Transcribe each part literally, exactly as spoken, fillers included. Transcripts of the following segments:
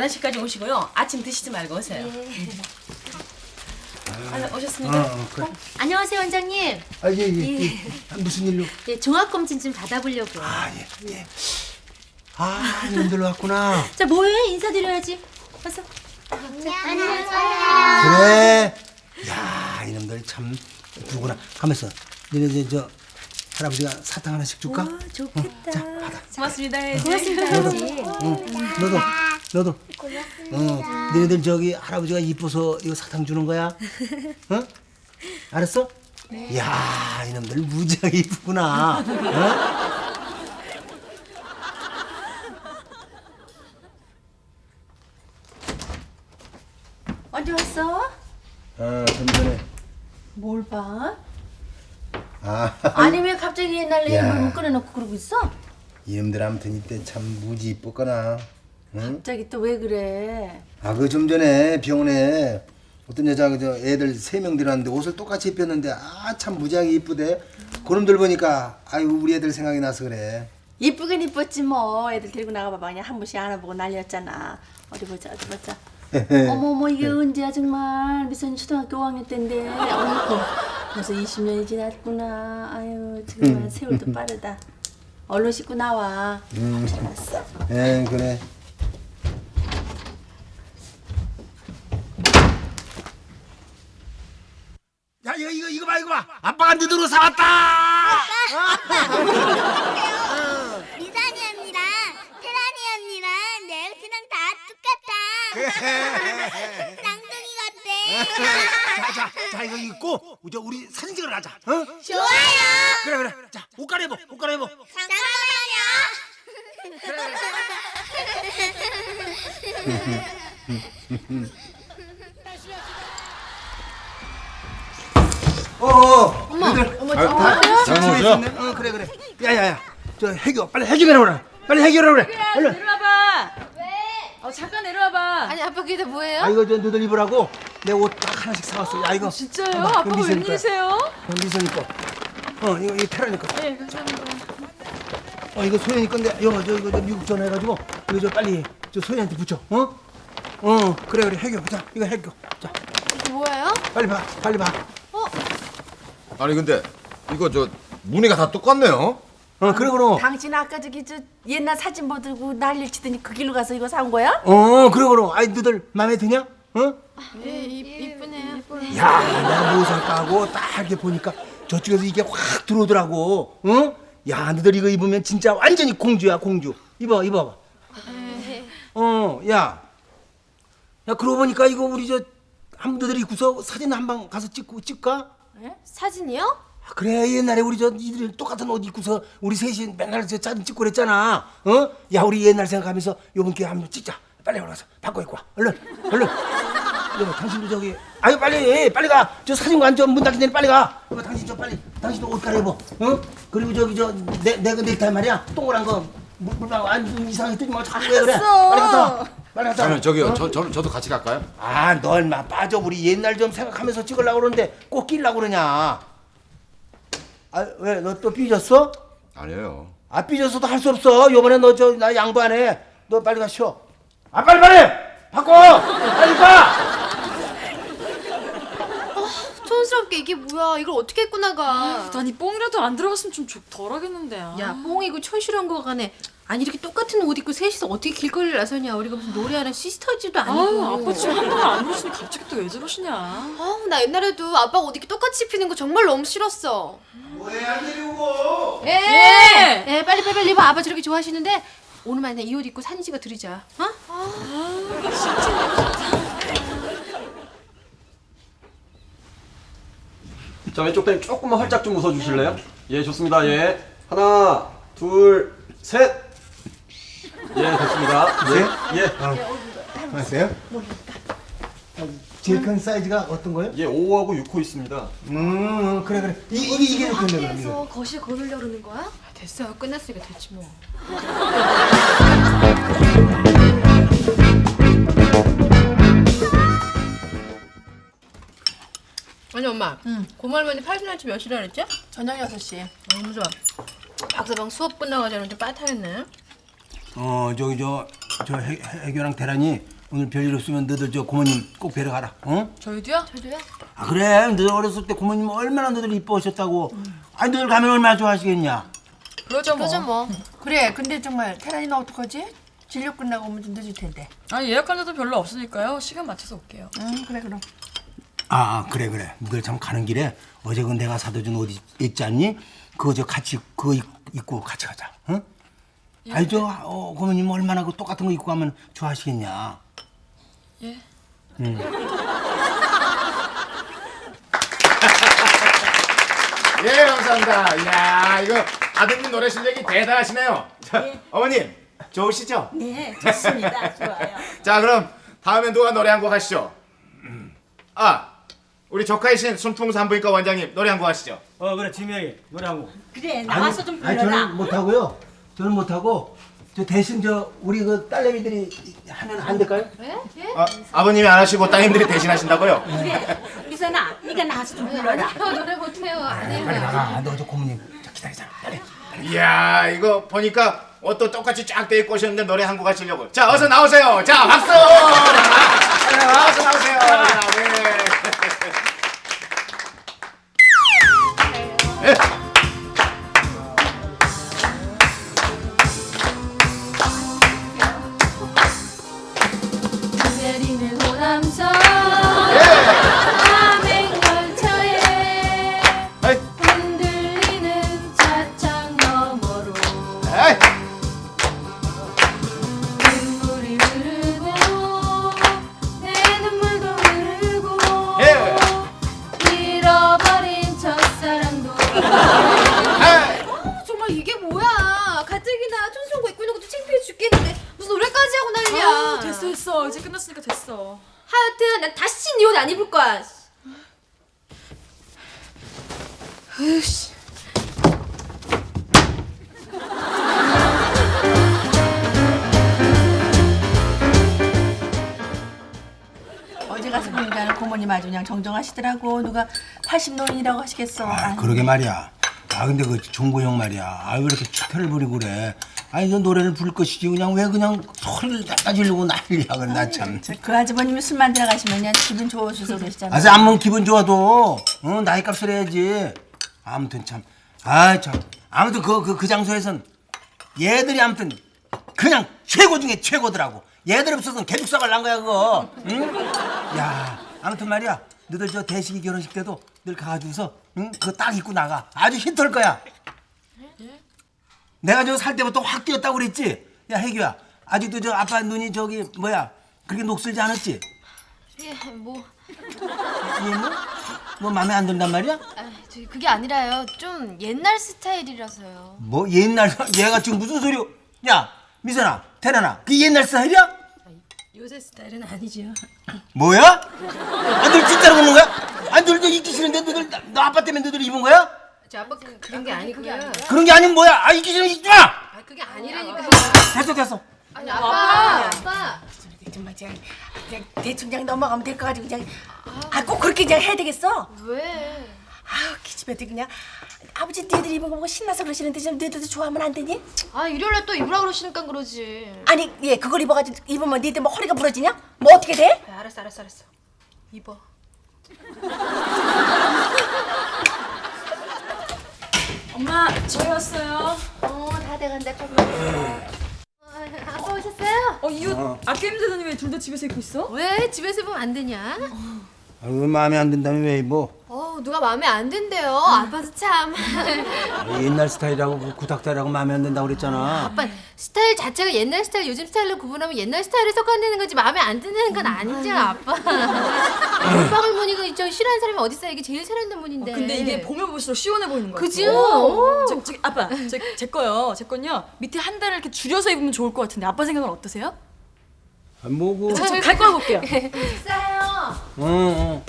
열한 시까지 오시고요. 아침 드시지 말고 오세요. 예. 아, 오셨습니까? 어, 어, 그래. 어? 안녕하세요 원장님. 아, 예, 예, 예. 예. 아, 무슨 일로? 예, 종합검진 좀 받아보려고요. 아, 예, 예. 아, 님들 왔구나. 자 뭐해? 인사드려야지. 어서. 안녕하세요. 그래. 야, 이놈들 참 누구나. 가만있어. 너네 저, 저 할아버지가 사탕 하나씩 줄까? 와 좋겠다. 자, 받아. 고맙습니다. 해야지. 고맙습니다. 해야지. 응, 너도, 너도. 어, 너희들 저기 할아버지가 이뻐서 이거 사탕 주는 거야? 어? 알았어? 네. 야, 이놈들 무지하게 이쁘구나. 어? 언제 왔어? 아, 좀 전에. 뭘 봐? 아, 아니 왜 갑자기 옛날 내 야. 물건 꺼내놓고 그러고 있어? 이놈들 아무튼 이때 참 무지 이뻤거나. 응? 갑자기 또 왜 그래? 아, 그 좀 전에 병원에 어떤 여자가 저 애들 세 명 들어왔는데 옷을 똑같이 입혔는데 아, 참 무지하게 이쁘대. 그놈들 보니까 아유, 우리 애들 생각이 나서 그래. 이쁘긴 이뻤지 뭐. 애들 데리고 나가봐봐. 그냥 한 번씩 안아보고 난리였잖아. 어디 보자 어디 보자. 어머머 이게 언제야 정말. 미선이 초등학교 오 학년 때인데. 어이구 벌써 이십 년이 지났구나. 아유 정말 세월도 빠르다. 얼른 씻고 나와. 음, 에 그래. 야, 이거 이거 이거 봐 이거 봐. 아빠가 네 돈으로 사왔다. 미선이 언니랑 태란이 언니랑 내 옷이랑 다 똑같아. 쌍둥이 같대. 자, 자, 자, 이거 입고 이제 우리 사진 찍으러 가자. 어? 좋아요. 그래 그래. 자, 옷 갈아입어. 옷 갈아입어. 어, 어. 어머 어머 아, 저 다 집에 있었네. 어, 그래 그래. 야야야. 저 해교 빨리 해결해 오라. 빨리 해결해 오라. 얼른. 내려와봐. 왜? 어, 잠깐 내려와봐. 아니 아빠 그게 다 뭐예요? 아, 이거 저 너들 입으라고 내 옷 딱 하나씩 사왔어. 야, 이거. 진짜요? 봐봐, 아빠가 이거 미선이 거야. 웬일이세요? 어, 미선이 거. 어, 이거 이거 테라니 거. 네, 감사합니다. 어, 이거 소연이 건데 이거 저 이거 저 미국 전화해가지고 이거 저 빨리 저 소연이한테 붙여. 어? 어, 그래 그래 해교. 자, 이거 해교. 자, 이게 뭐예요? 빨리 봐, 빨리 봐. 아니 근데 이거 저 무늬가 다 똑같네요. 어, 그래 그럼. 당신 아까 저기 저 옛날 사진 보들고 난리를 치더니 그 길로 가서 이거 산 거야? 어, 그래 그럼. 아이 너들 마음에 드냐? 어? 네 이쁘네요. 야, 내가 뭐 살까 하고 딱 이렇게 보니까 저쪽에서 이게 확 들어오더라고. 어? 야, 너들 이거 입으면 진짜 완전히 공주야, 공주. 입어, 입어봐. 어, 야. 야, 그러고 보니까 이거 우리 저 한 분들 입고서 사진 한 방 가서 찍고 찍까? 네? 사진이요? 아, 그래, 옛날에 우리 저 이들 똑같은 옷 입고서 우리 셋이 맨날 저 사진 찍고 그랬잖아. 어? 야, 우리 옛날 생각하면서 요번 기회에 한번 찍자. 빨리 올라가서 바꿔 입고 와. 얼른, 얼른. 여보, 당신도 저기, 아유 빨리, 빨리 가. 저 사진관 좀 문 닫기 전에 빨리 가. 여보, 당신 저 빨리, 당신도 옷 갈아입어. 어? 그리고 저기 저내내 그 넥타이 말이야. 동그란 거 물- 물방 안 이상하게 뜨지 말고 자꾸 왜 그래? 빨리 갔다 와. 빨리 갔다 와. 아니 저기요, 어? 저, 저 저도 같이 갈까요? 아, 너 얼마 빠져. 우리 옛날 좀 생각하면서 찍으려고 그러는데 꼭 끼려고 그러냐. 아, 왜? 너 또 삐졌어? 아니에요. 아, 삐졌어도 할 수 없어. 요번에 너 저 나 양보 안 해. 너 빨리 가 쉬어. 아, 빨리 빨리! 바꿔! 빨리 가! 촌스럽게 이게 뭐야? 이걸 어떻게 입고 나가? 난 이 뽕이라도 안 들어갔으면 좀 좋- 덜하겠는데. 야, 뽕이고 촌스러운 거 간에 아니 이렇게 똑같은 옷 입고 셋이서 어떻게 길거리를 나서냐? 우리가 무슨 노래하는 시스터즈도 아니고. 아유, 아빠 지금 한동안 안 그러시니 갑자기 또 왜 저러시냐. 아우, 나 옛날에도 아빠가 옷 이렇게 똑같이 입히는 거 정말 너무 싫었어. 뭐해, 안 데리고? 예! 예, 빨리 빨리 빨리 입어. 아빠 저렇게 좋아하시는데 오늘만 이 옷 입고 사진 찍어 드리자. 어? 자, 왼쪽 다리 조금만 활짝 좀 웃어주실래요? 예, 좋습니다. 예. 하나, 둘, 셋. 예, 됐습니다. 예, 예. 안녕하세요. 제일 큰 사이즈가 어떤 거예요? 예, 오하고 육 호 있습니다. 음, 그래 그래. 이 이게 이게 좋겠네 그럼 이거. 거실 거들려 그러는 거야? 아, 됐어. 끝났으니까 됐지 뭐. 아니 엄마, 응. 고말머니 팔순할치 몇 시라 그랬지? 저녁 여섯 시. 너무 좋아. 박서방 수업 끝나가자는 좀 빠타했네. 어, 저기 저 저 해교랑 대란이 오늘 별일 없으면 너들 저 고모님 꼭 뵈러 가라. 어? 저희도요? 저도요? 아 그래. 너들 어렸을 때 고모님 얼마나 너들 이뻐하셨다고. 아니 너들 가면 얼마나 좋아하시겠냐. 그러죠 뭐. 그죠 뭐. 그래 근데 정말 태란이는 어떡하지? 진료 끝나고 오면 좀 늦을 텐데. 아니 예약 환자도 별로 없으니까요. 시간 맞춰서 올게요. 응 그래 그럼. 아, 아 그래 그래. 너들 참 가는 길에 어제 그 내가 사다 준 옷 있지 않니? 그거 저 같이 그거 입- 입고 같이 가자. 응? 아니 저 어, 고모님 얼마나 그 똑같은 거 입고 가면 좋아하시겠냐. 예. 예, 감사합니다. 이야, 이거 아드님 노래 실력이 대단하시네요. 자, 어머님, 좋으시죠? 네, 좋습니다. 좋아요. 자, 그럼 다음엔 누가 노래 한 곡 하시죠? 아, 우리 조카이신 순풍산부인과 원장님 노래 한 곡 하시죠? 어 그래 지명이 노래 한 곡. 그래, 나와서 좀 아니 불러라. 저는 못하고요. 저는 못하고 저 대신 저 우리 그 딸내미들이 하면 안 될까요? 아, 아버님이 안 하시고 따님들이 대신 하신다고요? 그래, 미선아, 네가 나와서 좀 불러라. 저 노래 못해요. 안 해요. 빨리 나가. 너 저 고모님 저 기다리잖아. 빨리. 이야, 이거 보니까 옷도 똑같이 쫙 돼 입고 오셨는데 노래 한 곡 하시려고. 자, 어서 나오세요. 자, 박수! 자, 어서 나오세요. 자, 네. 예. 내리는 호남선 예. 남행열차에 아이, 흔들리는 차창 너머로 에이. 눈물이 흐르고 내 눈물도 흐르고 예. 잃어버린 첫사랑도 에이. 어, 정말 이게 뭐야. 가뜩이나 촌스러운 거 입고 있는 것도 창피해 죽겠는데 무슨 노래까지 하고 난리야. 아, 됐어 됐어. 이제 끝났으니까 됐어. 하여튼 난 다시 네 옷 안 입을 거야. 으씨. 어제 가서 보니까 고모님 아주 그냥 정정하시더라고. 누가 팔십 노인이라고 하시겠어. 아 아유. 그러게 말이야. 아 근데 그 종구 형 말이야. 아 왜 이렇게 축혈을 부리고 그래. 아니 너 노래를 부를 것이지 그냥 왜 그냥 소리를 갖다 지르고 난리야. 그래 나 참. 그 아주버님이 술 만들어 가시면 그냥 기분 좋으셔서 그러시잖아요. 아서 안면 기분 좋아도 어, 나이 값을 해야지. 아무튼 참. 아 참. 아무튼 그 그 그 장소에선 얘들이 아무튼 그냥 최고 중에 최고더라고. 얘들 없어서는 개죽사갈 난 거야 그거. 응? 야 아무튼 말이야. 너들 저 대식이 결혼식 때도 늘 가가지고서 응? 그거 딱 입고 나가. 아주 히트할 거야. 내가 저 살 때부터 확 뛰었다고 그랬지? 야 혜규야 아직도 저 아빠 눈이 저기 뭐야 그렇게 녹슬지 않았지? 예, 뭐, 얘 뭐? 뭐 마음에 안 든단 말이야? 아, 저기 그게 아니라요. 좀 옛날 스타일이라서요. 뭐 옛날 얘가 지금 무슨 소리? 야 미선아 태란아 그 옛날 스타일이야? 요새 스타일은 아니죠. 뭐야? 아, 너 진짜로 그러는 거야? 아니 너들 입기 싫은데 너들 너 아빠 때문에 너들 입은 거야? 저 아빠 그, 그런 게 아니고요. 그런 게 아니면 뭐야? 아 입기 싫으면 입지 마! 아, 그게 아니라니까요. 됐어 됐어. 아니, 아빠, 아빠. 정말 그냥, 그냥 대충 그냥 넘어가면 될 거 가지고 그냥 아 꼭 그렇게 그냥 해야 되겠어? 왜? 아우 기집애들 그냥 아버지 니들 입은 거 보고 신나서 그러시는데 좀 너희들도 좋아하면 안 되니? 아, 일요일날 또 입으라 그러시니까 그러지. 아니 예 그걸 입어가지고 입으면 니들 뭐 허리가 부러지냐? 뭐 어떻게 돼? 아, 알았어, 알았어, 알았어. 입어. 엄마 저희 왔어요. 어, 다 돼간다. 조금. 아빠 오셨어요? 어 이 옷 아껴 입는다더니 왜 둘 다 집에서 입고 있어? 왜 집에서 입으면 안 되냐? 아유 마음에 안 든다면 왜 입어? 어, 누가 마음에 안 든대요. 아빠도 참. 아, 옛날 스타일하고 그 구닥다리하고 마음에 안 든다고 그랬잖아. 아빠 스타일 자체가 옛날 스타일, 요즘 스타일로 구분하면 옛날 스타일에 속한다는 거지 마음에 안 드는 건 아니죠, 아빠. 오빠를 보니까 저 싫어하는 사람이 어디 있어? 이게 제일 싫어하는 분인데. 근데 이게 보면 볼수록 시원해 보이는 거 같아. 그죠? 어. 저, 저, 아빠, 저, 제 거요. 제 건요. 밑에 한 달을 이렇게 줄여서 입으면 좋을 것 같은데 아빠 생각은 어떠세요? 아, 뭐고? 저, 저 갈거 하고 올게요. 싸요. 응, 응.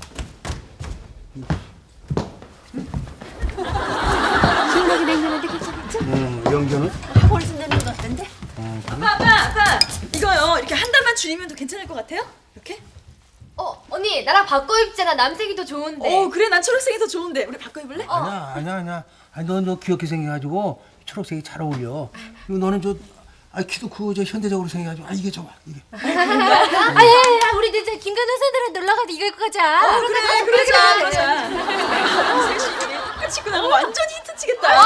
생각이 냉면한데 괜찮겠지? 응, 영전은? 학원 쓴다는 거 같던데? 아빠, 아빠, 아빠. 이거요. 이렇게 한 달만 줄이면 더 괜찮을 것 같아요? 이렇게? 어, 언니 나랑 바꿔 입잖아. 남색이 더 좋은데. 어, 그래. 난 초록색이 더 좋은데. 우리 바꿔 입을래? 아니야, 아니야, 아니야. 아니, 너, 너 귀엽게 생겨가지고 초록색이 잘 어울려. 그리고 너는 저 아 키도 크고 저 현대적으로 생겨가지고 아 이게 좋아 이게. 아예 우리 이제 김간호 선생님 놀러 가도 이거 입고 가자. 그래 그래 그러자 그러자. 셋이 같이 입고 나가 완전 히트 치겠다.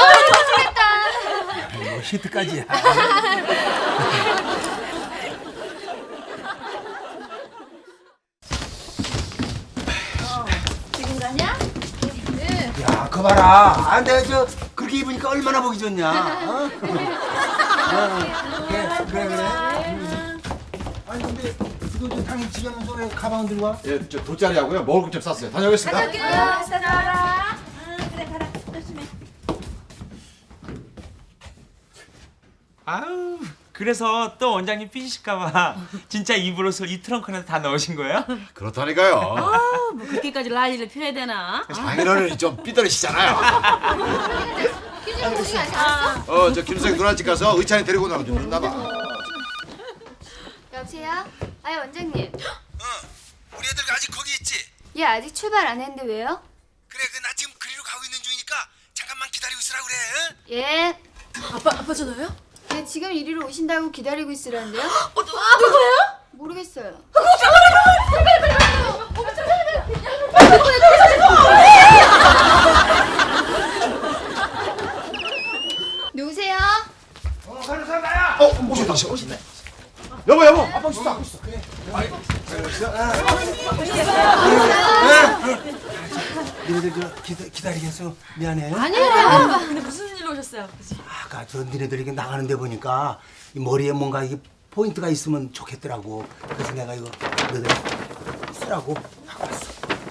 뭐 히트까지야. 지금 가냐? 야, 그 봐라. 아, 내가 저 그렇게 입으니까 얼마나 보기 좋냐. 어? 어, 그래, 그래, 그래. 음. 아니 근데 이거 저 당일 집에 하면서 왜 가방 들고 와? 예, 저 돗자리하고요. 먹을 것 좀 쌌어요. 다녀오겠습니다. 가자 나와라. 그래 가라. 조심해. 아우 그래서 또 원장님 삐지실까봐 진짜 입으로서 이 트렁크 안에 다 넣으신 거예요? 그렇다니까요. 뭐 그렇게까지 난리를 펴야 되나? 장인어른이 좀 삐뚤으시잖아요. 김준호 거기 가지 않았어? 어, 저 김수생 누나 집 가서 의찬이 데리고 나오면 좀 늦나 봐. 여보세요? 아니 원장님, 어, 우리 애들 아직 거기 있지? 얘 아직 출발 안 했는데 왜요? 그래, 그 나 지금 그리로 가고 있는 중이니까 잠깐만 기다리고 있으라 그래. 응? 예. 아빠 아빠 전화요? 얘 지금 이리로 오신다고 기다리고 있으라는데요? 어, 누, 누구예요? 모르겠어요. 누구세요? 어, 가는 사람 나야. 어, 오셨다, 오셨네. 여보, 여보. 아빠 오셨다. 아빠 오셨어. 그래. 니네들 저 기다, 기다리겠어. 미안해. 아니에요. 근데 무슨 일로 오셨어요? 아버지? 아까 저 니네들 이게 나가는데 보니까 이 머리에 뭔가 이게 포인트가 있으면 좋겠더라고. 그래서 내가 이거 너희들 쓰라고 갖고 왔어.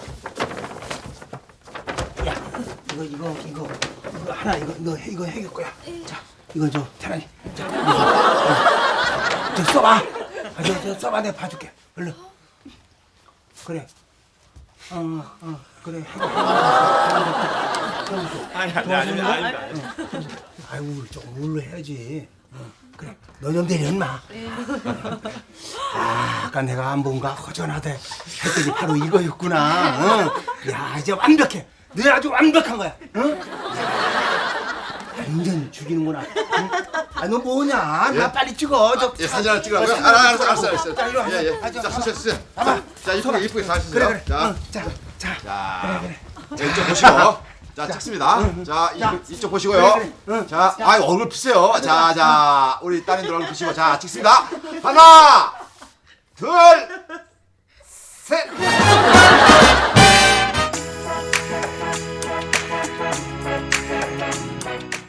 야, 이거 이거 이거 이거 하나 이거 너 해- 이거 해줄 거야. 자, 이거 저 태란이. 자, 이거 어, 저 써봐. 아, 저, 저 써봐 내가 봐줄게. 얼른. 그래. 어, 어, 그래. 아니 아니 아니 아니 아이고 조금 물로 해야지. 응, 그래 너 좀 내려 인마. 아, 아까 내가 안 본가 허전하대 했더니 바로 이거였구나. 응. 야 이제 완벽해. 너 아주 완벽한 거야. 응? 야, 완전 죽이는구나. 응? 아너 뭐냐? 나 빨리 찍어. 저 예, 사진 하나 찍으라고요? 아, 알았어, 알았어, 알았어. 자, 이리 와. 예, 예. 아, 저, 자, 봐봐. 쓰세요, 쓰세요. 봐봐. 자, 이쁘게, 이쁘게 잘 쓰세요. 그래 그래. 자, 응, 자, 자. 자, 그래 그래. 자, 이쪽 보시고. 자, 찍습니다. 자, 이, 자. 이쪽 보시고요. 그래, 그래. 응. 자, 아, 얼굴 피세요. 자, 자, 우리 따님들 얼굴 피시고. 자, 찍습니다. 하나, 둘, 셋.